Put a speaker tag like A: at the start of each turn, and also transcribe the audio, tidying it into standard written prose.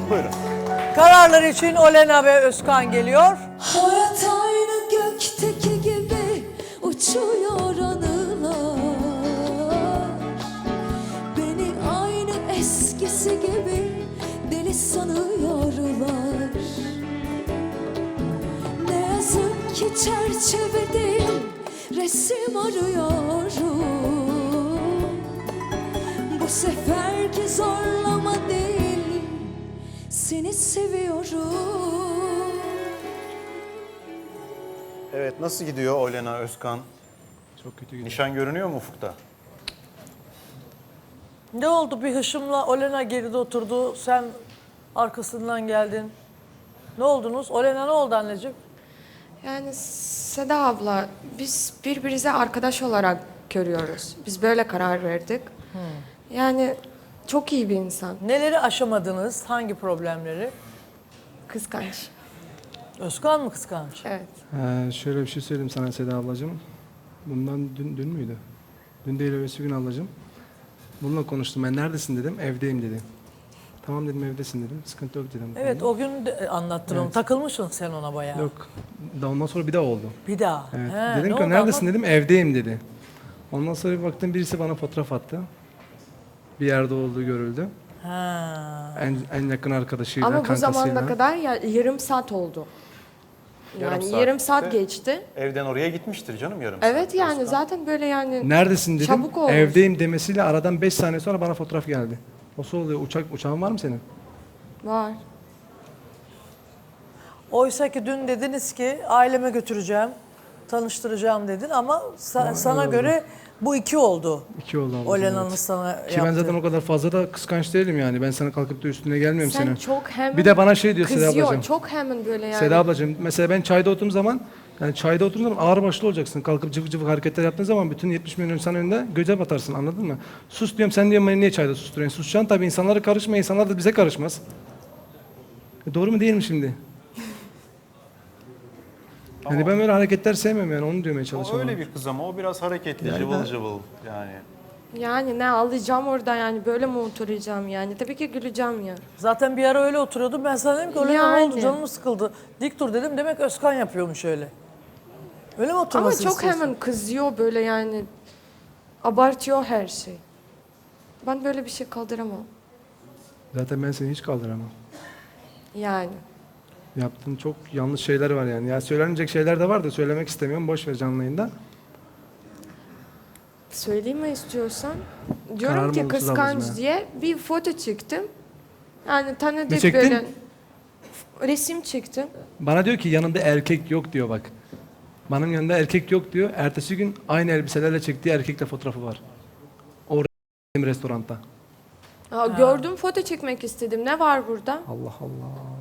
A: Buyurun.
B: Kararlar için Olena ve Özkan geliyor.
C: Hayat aynı gökteki gibi uçuyor anılar. Beni aynı eskisi gibi deli sanıyorlar. Ne yazık ki çerçevede resim arıyorum. Bu seferki zorlama değil, seni seviyorum.
A: Evet, nasıl gidiyor Olena, Özkan?
D: Çok kötü gidiyor.
A: Nişan görünüyor mu ufukta?
B: Ne oldu, bir hışımla Olena geride oturdu, sen arkasından geldin. Ne oldunuz? Olena ne oldu anneciğim?
E: Yani Seda abla, biz birbirimize arkadaş olarak görüyoruz. Biz böyle karar verdik. Yani çok iyi bir insan.
B: Neleri aşamadınız? Hangi problemleri?
E: Kıskanç.
B: Özkan mı kıskanç?
E: Evet.
D: Şöyle bir şey söyleyeyim sana Seda ablacığım. Bundan dün müydü? Dün değil öbürsü gün ablacığım. Bununla konuştum. Ben neredesin dedim. Evdeyim dedi. Tamam dedim, evdesin dedim. Sıkıntı yok dedim.
B: Evet, o gün de anlattın onu.
D: Evet.
B: Takılmışsın sen ona bayağı.
D: Yok. Ondan sonra bir daha oldu.
B: Bir daha.
D: Evet.
B: He,
D: Dedim
B: ne
D: ki
B: oldu
D: neredesin
B: ama?
D: dedim. Evdeyim dedi. Ondan sonra bir baktım birisi bana fotoğraf attı. Bir yerde olduğu görüldü.
B: Ha.
D: En yakın arkadaşıyla,
E: Ama bu
D: kankasıyla.
E: zamana kadar yarım saat oldu.
A: Yarım
E: Yani
A: saat.
E: yarım saat
A: İşte
E: geçti.
A: Evden oraya gitmiştir canım yarım
E: Evet
A: saat.
E: yani
A: Özkan.
E: zaten böyle yani
D: Neredesin dedim.
E: Çabuk olmuş.
D: Evdeyim demesiyle aradan 5 saniye sonra bana fotoğraf geldi. Nasıl oluyor? Uçağın var mı senin?
E: var.
B: Oysa ki dün dediniz ki aileme götüreceğim, tanıştıracağım dedin ama sana
D: öyle
B: göre bu 2 oldu.
D: 2 oldu ablacığım.
B: Olena'nın
D: evet.
B: sana
D: Ki ben zaten o kadar fazla da kıskanç değilim yani. Ben sana kalkıp da üstüne gelmiyorum
E: Sen
D: senin.
E: çok hemen
D: Bir de bana şey diyor Seda
E: kızıyor.
D: ablacığım.
E: Çok hemen böyle yani.
D: Seda ablacığım mesela ben çayda oturduğum zaman çayda oturduğum zaman ağır başlı olacaksın. Kalkıp cıvık cıvık hareketler yaptığın zaman bütün 70 milyon insan önünde göze batarsın, anladın mı? Sus diyorum, sen diyorum beni niye çayda susturuyorsun? Susacaksın tabii, insanlara karışma, insanlar da bize karışmaz. Doğru mu değil mi şimdi? Yani ben böyle hareketler sevmiyorum yani, onu demeye
A: O
D: çalışıyorum.
A: öyle bir kız ama o biraz hareketli,
D: Yani
A: cıvıl
D: ben-
A: cıvıl yani.
E: Yani ne alacağım orada yani böyle mi oturacağım yani? Tabii ki güleceğim ya.
B: Zaten bir ara öyle oturuyordum. Ben sana dedim ki Olena ne
E: Yani.
B: oldu, canım sıkıldı. Dik dur dedim, demek Özkan yapıyormuş öyle. Öyle mi
E: Ama
B: oturmasını
E: çok
B: istiyorsun?
E: hemen kızıyor böyle yani. Abartıyor her şey. Ben böyle bir şey kaldıramam.
D: Zaten ben seni hiç kaldıramam.
E: Yani.
D: Yaptığın çok yanlış şeyler var yani. Ya söylenecek şeyler de var da söylemek istemiyorum. Boş ver canlı yayında.
E: Söyleyeyim mi istiyorsan? Diyorum
D: Kararım
E: ki
D: olumsuz
E: kıskanç
D: ablacığım ya.
E: diye bir foto çektim. Yani
D: Ne
E: tanıdık
D: çektin?
E: böyle. Resim çektim.
D: Bana diyor ki yanında erkek yok diyor bak. Benim yanında erkek yok diyor. Ertesi gün aynı elbiselerle çektiği erkekle fotoğrafı var. O restoranda.
E: Gördüm, foto çekmek istedim. Ne var burada?
D: Allah Allah.